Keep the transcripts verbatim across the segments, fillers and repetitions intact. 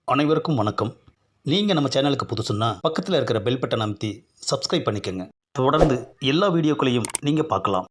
அனைவருக்கும் வணக்கம். நீங்கள் நம்ம சேனலுக்கு புதுசுன்னா பக்கத்தில் இருக்கிற பெல் பட்டன் அமைத்தி சப்ஸ்கிரைப் பண்ணிக்கோங்க. தொடர்ந்து எல்லா வீடியோக்களையும் நீங்கள் பார்க்கலாம்.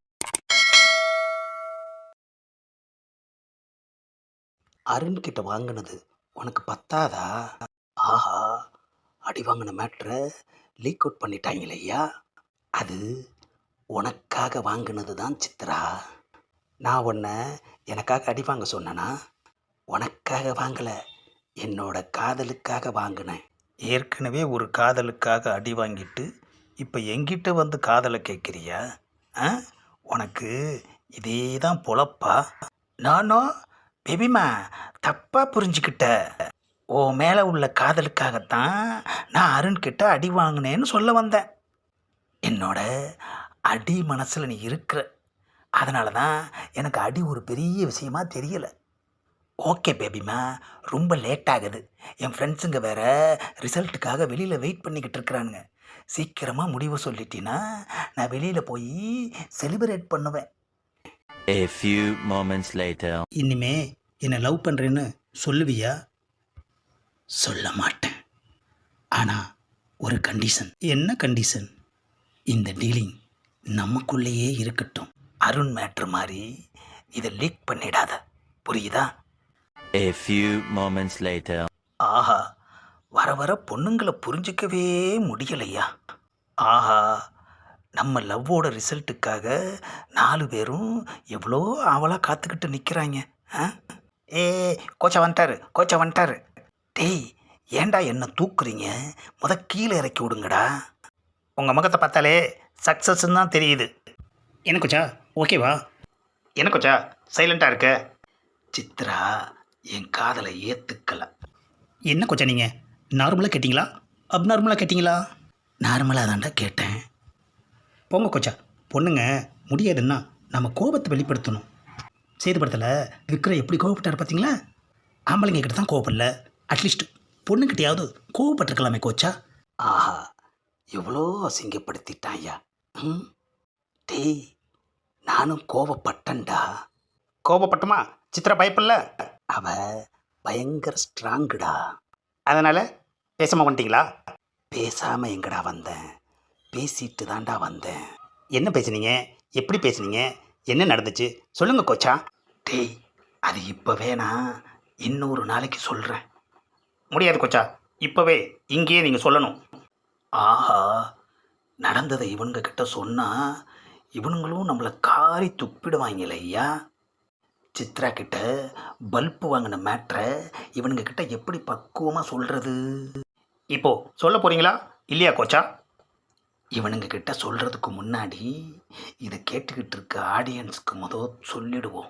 அருண் கிட்ட வாங்கினது உனக்கு பத்தாதா? ஆஹா, அடி வாங்கின மேட்ரை லீக் அவுட் பண்ணிட்டாங்களே ஐயா. அது உனக்காக வாங்கினது தான் சித்ரா. நான் உன்னை எனக்காக அடி வாங்க சொன்னேனா? உனக்காக வாங்கலை, என்னோட காதலுக்காக வாங்கினேன். ஏற்கனவே ஒரு காதலுக்காக அடி வாங்கிட்டு இப்போ எங்கிட்ட வந்து காதலை கேட்குறியா? ஆ, உனக்கு இதே தான் பொழப்பா? நானும் பேபிமா தப்பாக புரிஞ்சுக்கிட்ட. ஓ மேலே உள்ள காதலுக்காகத்தான் நான் அருண்கிட்ட அடி வாங்கினேன்னு சொல்ல வந்தேன். என்னோட அடி மனசில் நீ இருக்கிற, அதனால தான் எனக்கு அடி ஒரு பெரிய விஷயமா தெரியலை. ஓகே பேபிமா, ரொம்ப லேட் ஆகுது. என் ஃப்ரெண்ட்ஸுங்க வேற ரிசல்ட்டுக்காக வெளியில் வெயிட் பண்ணிக்கிட்டு இருக்கிறானுங்க. சீக்கிரமாக முடிவு சொல்லிட்டீன்னா நான் வெளியில் போய் செலிப்ரேட் பண்ணுவேன். A few moments later. இனிமே என்னை லவ் பண்ணுறேன்னு சொல்லுவியா? சொல்ல மாட்டேன். ஆனால் ஒரு கண்டிஷன். என்ன கண்டிஷன்? இந்த டீலிங் நமக்குள்ளேயே இருக்கட்டும். அருண் மேட்ரு மாதிரி இதை லீக் பண்ணிடாத, புரியுதா? A few moments later. ஆஹா, வர வர பொண்ணுங்களை புரிஞ்சிக்கவே முடியலையா. ஆஹா, நம்ம லவ்வோட ரிசல்ட்டுக்காக நாலு பேரும் எவ்வளோ ஆவலாக காத்துக்கிட்டு நிற்கிறாங்க. ஆ, ஏ கோச்சா வந்துட்டாரு, கோச்சா வந்துட்டாரு. டேய், ஏண்டா என்ன தூக்குறீங்க? முத கீழே இறக்கி விடுங்கடா. உங்கள் முகத்தை பார்த்தாலே சக்ஸஸ்ன்னு தான் தெரியுது. என்ன கோச்சா, ஓகேவா? என்ன கோச்சா சைலண்ட்டாக இருக்க? சித்ரா என் காதலை ஏற்றுக்கல. என்ன கொச்சா நீங்கள் நார்மலாக கேட்டிங்களா அப்நார்மலாக கேட்டிங்களா? நார்மலாக தான்டா கேட்டேன். போங்க கொச்சா, பொண்ணுங்க முடியாதுன்னா நம்ம கோபத்தை வெளிப்படுத்தணும். சேதுபடத்தில் விக்ரம் எப்படி கோவப்பட்டார் பார்த்தீங்களா? ஆம்பளைங்க கிட்ட தான் கோவப்படல, அட்லீஸ்ட் பொண்ணுக்கிட்டையாவது கோவப்பட்டிருக்கலாமே கோச்சா. ஆஹா, எவ்வளோ அசிங்கப்படுத்திட்டாயா. ம், டேய், நானும் கோவப்பட்டேன்டா. கோபப்பட்டுமா சித்ரா பயப்படல? அவ பயங்கர ஸ்ட்ராங்குடா. அதனால் பேசாமல் வந்துட்டீங்களா? பேசாமல் எங்கடா வந்தேன், பேசிட்டு தான்டா வந்தேன். என்ன பேசுனீங்க? எப்படி பேசுனீங்க? என்ன நடந்துச்சு சொல்லுங்க கோச்சா. டேய், அது இப்போ வேணா, இன்னொரு நாளைக்கு சொல்கிறேன். முடியாது கோச்சா, இப்போவே இங்கேயே நீங்கள் சொல்லணும். ஆஹா, நடந்ததை இவனுங்க கிட்ட சொன்னால் இவனுங்களும் நம்மளை காரி துப்பிடுவாங்களே ஐயா. சித்ரா கிட்ட பல்பு வாங்கின மேட்ரை இவனுங்க கிட்ட எப்படி பக்குவமாக சொல்கிறது? இப்போ சொல்ல போகிறீங்களா இல்லையா கோச்சா? இவனுங்க கிட்ட சொல்கிறதுக்கு முன்னாடி இதை கேட்டுக்கிட்டு இருக்க ஆடியன்ஸுக்கு முதல் சொல்லிடுவோம்.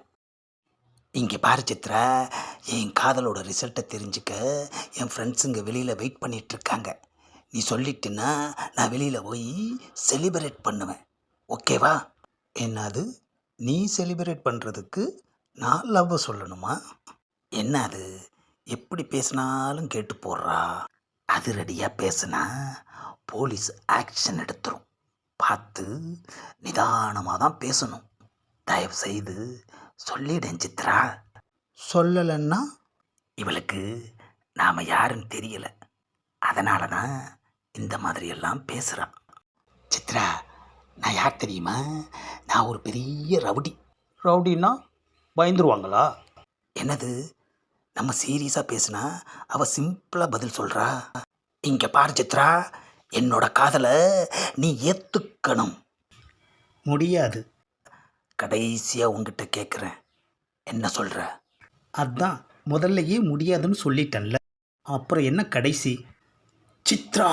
இங்கே பாரு சித்ரா, என் காதலோட ரிசல்ட்டை தெரிஞ்சுக்க என் ஃப்ரெண்ட்ஸுங்க வெளியில் வெயிட் பண்ணிகிட்ருக்காங்க. நீ சொல்லிட்டுன்னா நான் வெளியில் போய் செலிப்ரேட் பண்ணுவேன், ஓகேவா? என்னது, நீ செலிப்ரேட் பண்ணுறதுக்கு நான் லவ் சொல்லணுமா? என்ன அது, எப்படி பேசினாலும் கேட்டு போடுறா. அது ரெடியாக பேசுனா போலீஸ் ஆக்ஷன் எடுத்துரும். பார்த்து நிதானமாக தான் பேசணும். தயவு செய்து சொல்லிடேன் சித்ரா. சொல்லலைன்னா இவளுக்கு நாம் யாருன்னு தெரியலை, அதனால தான் இந்த மாதிரியெல்லாம் பேசுகிறான். சித்ரா, நான் யார் தெரியுமா? நான் ஒரு பெரிய ரவுடி. ரவுடின்னா பயந்துருவாங்களா? என்னது, நம்ம சீரியஸாக பேசுனா அவள் சிம்பிளாக பதில் சொல்கிறா. இங்கே பாரு சித்ரா, என்னோட காதலை நீ ஏற்றுக்கணும். முடியாது. கடைசியாக உங்ககிட்ட கேட்குறேன், என்ன சொல்கிற? அதான் முதல்லையே முடியாதுன்னு சொல்லிட்டேன்ல, அப்புறம் என்ன கடைசி? சித்ரா,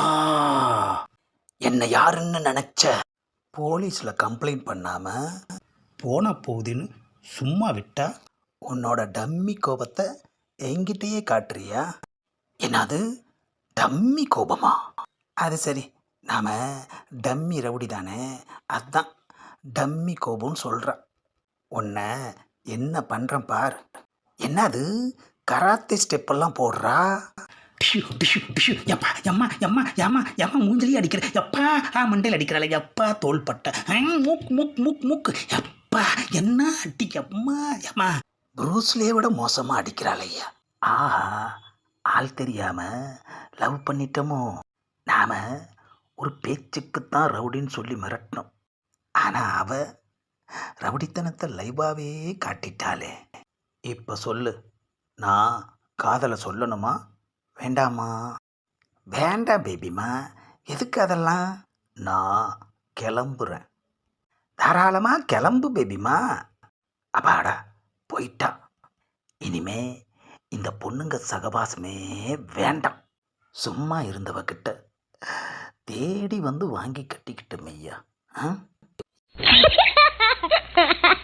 என்னை யாருன்னு நினச்ச? போலீஸில் கம்ப்ளைண்ட் பண்ணாமல் போனால் போகுதுன்னு சும்மா விட்டா உன்னோட டம்மி கோபத்தை என்கிட்டயே காட்டுறியா? என்னது, டம்மி கோபமா? அது சரி, நாம் டம்மி ரவுடி தானே, அதுதான் டம்மி கோபம்னு சொல்கிறான். உன்னை என்ன பண்ணுறேன் பார். என்னது, கராத்தே ஸ்டெப்பெல்லாம் போடுறா? டிஷு டிஷு டிஷு, எப்பா எம்மா எம்மா எம்மா எம்மா மூஞ்சிலேயே அடிக்கிற, எப்பா ஆ மண்டையில் அடிக்கிறாள், எப்பா தோள்பட்டை, மூக் மூக் மூக் மூக்கு, எப்பா என்ன அடி, எம்மா எம்மா ப்ரூஸ்லே விட மோசமாக அடிக்கிறாள் ஐயா. ஆஹா, ஆள் தெரியாமல் லவ் பண்ணிட்டோமோ? நாம் ஒரு பேச்சுக்குத்தான் ரவுடின்னு சொல்லி மிரட்டினோம். ஆனால் அவ ரவுடித்தனத்தை லைவாகவே காட்டிட்டாளே. இப்போ சொல்லு, நான் காதலை சொல்லணுமா வேண்டாமா? வேண்டாம் பேபிமா. எதுக்கு அதெல்லாம்? நான் கிளம்புறேன். தாராளமாக கிளம்பு பேபிமா. அப்பாடா, போயிட்டா. இனிமே இந்த பொண்ணுங்க சகவாசமே வேண்டாம். சும்மா இருந்தவகிட்ட தேடி வந்து வாங்கி கட்டிக்கிட்ட மெய்யா. ஆ?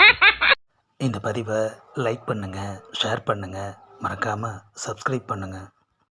இந்த பதிவை லைக் பண்ணுங்கள், ஷேர் பண்ணுங்கள், மறக்காமல் சப்ஸ்கிரைப் பண்ணுங்கள்.